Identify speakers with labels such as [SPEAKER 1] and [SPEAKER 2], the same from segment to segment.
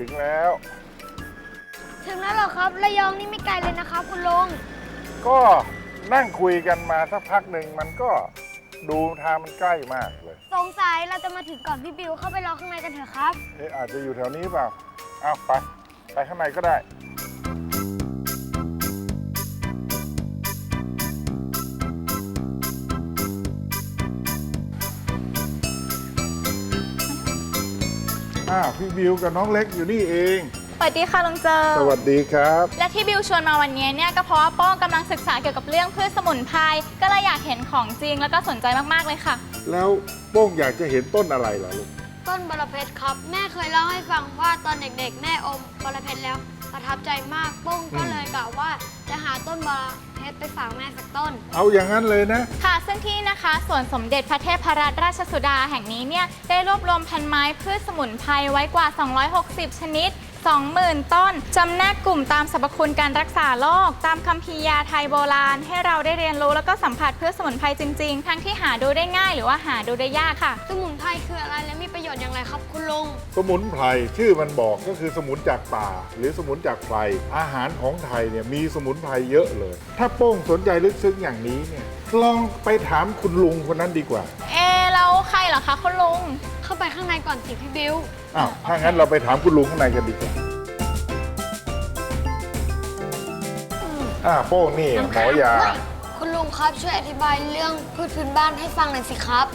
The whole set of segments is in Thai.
[SPEAKER 1] ถึงแล้ว
[SPEAKER 2] ถึงแล้วเหรอครับระยองนี่ไม่ไกลเลยนะครับคุณลุง
[SPEAKER 1] ก็นั่งคุยกันมาสักพักหนึ่งมันก็ดูทางมันใกล้มากเลย
[SPEAKER 2] สงสัยเราจะมาถึงก่อนพี่บิวเข้าไปรอข้างในกันเถอะครับ
[SPEAKER 1] อาจจะอยู่แถวนี้เปล่าเอาไปข้างในก็ได้พี่บิวกับน้องเล็กอยู่นี่เอง
[SPEAKER 3] สวัสดีค่ะลุงเจอ
[SPEAKER 1] สวัสดีครับ
[SPEAKER 3] และที่บิวชวนมาวันนี้เนี่ยก็เพราะว่าโป้งกำลังศึกษาเกี่ยวกับเรื่องพืชสมุนไพรก็เลยอยากเห็นของจริงแล้วก็สนใจมากๆเลยค่ะ
[SPEAKER 1] แล้วโป้งอยากจะเห็นต้นอะไรล่ะลูก
[SPEAKER 2] ต้นบรเพชรครับแม่เคยเล่าให้ฟังว่าตอนเด็กๆแม่อมบรเพชรแล้วประทับใจมากปุ้งก็เลยกล่าวว่าจะหาต้นบรเพชรไปฝากแม่สักต้น
[SPEAKER 1] เอาอย่างนั้นเลยนะ
[SPEAKER 3] ค่ะซึ่งที่นะคะสวนสมเด็จพระเทพรัตนราชสุดาแห่งนี้เนี่ยได้รวบรวมพันไม้พืชสมุนไพรไว้กว่า 260 ชนิด 20,000 ต้นจำแนกกลุ่มตามสรรพคุณการรักษาโรคตามคัมภีร์ยาไทยโบราณให้เราได้เรียนรู้แล้วก็สัมผัสพืชสมุนไพรจริงๆทั้งที่หาดูได้ง่ายหรือว่าหาดูได้ยากค่ะ
[SPEAKER 2] สมุนไพรคืออะไรและมีประโยชน์อย่างไรครับคุณลุง
[SPEAKER 1] สมุนไพรชื่อมันบอกก็คือสมุนจากป่า หรือสมุนจากไพรอาหารของไทยเนี่ยมีสมุนไพรเยอะเลย ถ้าโป้งสนใจลึกซึ้งอย่างนี้เนี่ยลองไปถามคุณลุงคนนั้นดีกว่า
[SPEAKER 3] แล้วใครเหรอคะคุณลุง
[SPEAKER 2] เข้าไปข้างในก่อนสิพี่บิว
[SPEAKER 1] ถ้างั้นเราไปถามคุณลุงข้างในกันดีกว่าโป้งนี่หมอยา
[SPEAKER 2] คุณลุงครับช่วยอธิบายเรื่องพืชพื้นบ้านให้ฟังหน่อยสิครับ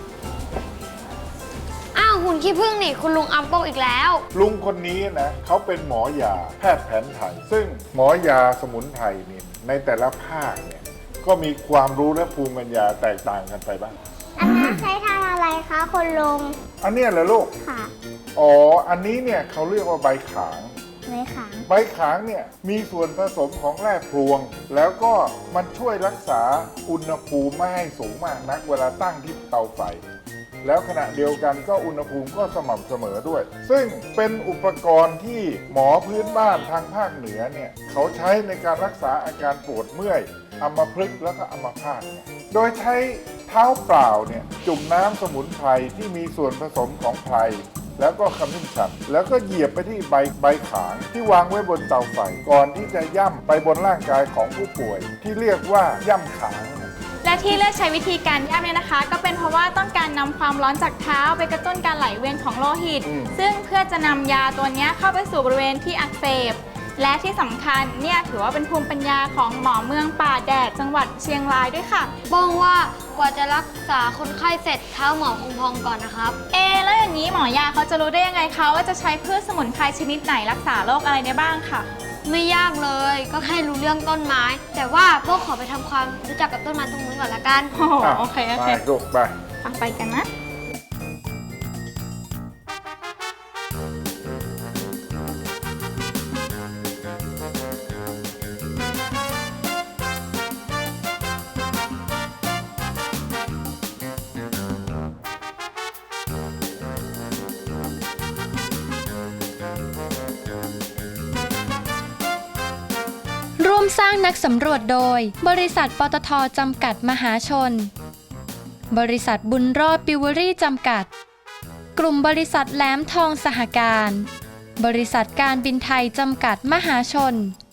[SPEAKER 2] หุ่นขี้ผึ้งนี่คุณลุงอัมโป้งอีกแล้ว
[SPEAKER 1] ลุงคนนี้นะเขาเป็นหมอยาแพทย์แผนไทย ซึ่งหมอยาสมุนไพรนี่ในแต่ละภาคเนี่ยก็มีความรู้และภูมิปัญญาแตกต่างกันไปบ้าง
[SPEAKER 4] อันนั้นใช้ทำอะไรคะคุณลุง
[SPEAKER 1] อันเนี้ยเหรอลูก
[SPEAKER 4] ค่ะ
[SPEAKER 1] อันนี้เนี่ยเขาเรียกว่าใบขาง
[SPEAKER 4] ไว้ขัง
[SPEAKER 1] ใบขางเนี่ยมีส่วนผสมของแร่พลวง แล้วก็มันช่วยรักษาอุณหภูมิไม่ให้สูงมากนักเวลาตั้งที่เตาไฟ แล้วขณะเดียวกันก็อุณหภูมิก็สม่ำเสมอด้วย ซึ่งเป็นอุปกรณ์ที่หมอพื้นบ้านทางภาคเหนือเนี่ยเขาใช้ในการรักษาอาการปวดเมื่อยอัมพฤกษ์แล้วก็อัมพาตเนี่ยโดยใช้เท้าเปล่าเนี่ยจุ่มน้ำสมุนไพรที่มีส่วนผสมของไพรแล้วก็ขมิ้นชันแล้วก็เหยียบไปที่ใบขางที่วางไว้บนเตาไฟก่อนที่จะย่ำไปบนร่างกายของผู้ป่วยที่เรียกว่าย่ำขาง
[SPEAKER 3] และที่เลือกใช้วิธีการย่ำเนี่ยนะคะ ก็เป็นเพราะว่าต้องการนำความร้อนจากเท้าไปกระตุ้นการไหลเวียนของโลหิต ซึ่งเพื่อจะนำยาตัวนี้เข้าไปสู่บริเวณที่อักเสบและที่สำคัญเนี่ยถือว่าเป็นภูมิปัญญาของหมอเมืองป่าแดดจังหวัดเชียงรายด้วยค่ะ
[SPEAKER 2] บ้องว่ากว่าจะรักษาคนไข้เสร็จเท้าหมอคงพองก่อนนะครับ
[SPEAKER 3] แล้วอย่างนี้หมอยาเขาจะรู้ได้ยังไงคะว่าจะใช้พืชสมุนไพรชนิดไหนรักษาโรคอะไรได้บ้างค่ะ
[SPEAKER 2] ไม่ยากเลยก็แค่รู้เรื่องต้นไม้ แต่ว่าพวกขอไปทำความรู้จักกับต้นไม้ตรงนู้นก่อนละกัน
[SPEAKER 3] โอเค
[SPEAKER 1] ไปลูกไป
[SPEAKER 3] ไปกันนะ
[SPEAKER 5] ร่วมสร้างนักสำรวจโดยบริษัทปตท.จำกัดมหาชนบริษัทบุญรอดปิวเวอรี่จำกัดกลุ่มบริษัทแหลมทองสหการบริษัทการบินไทยจำกัดมหาชน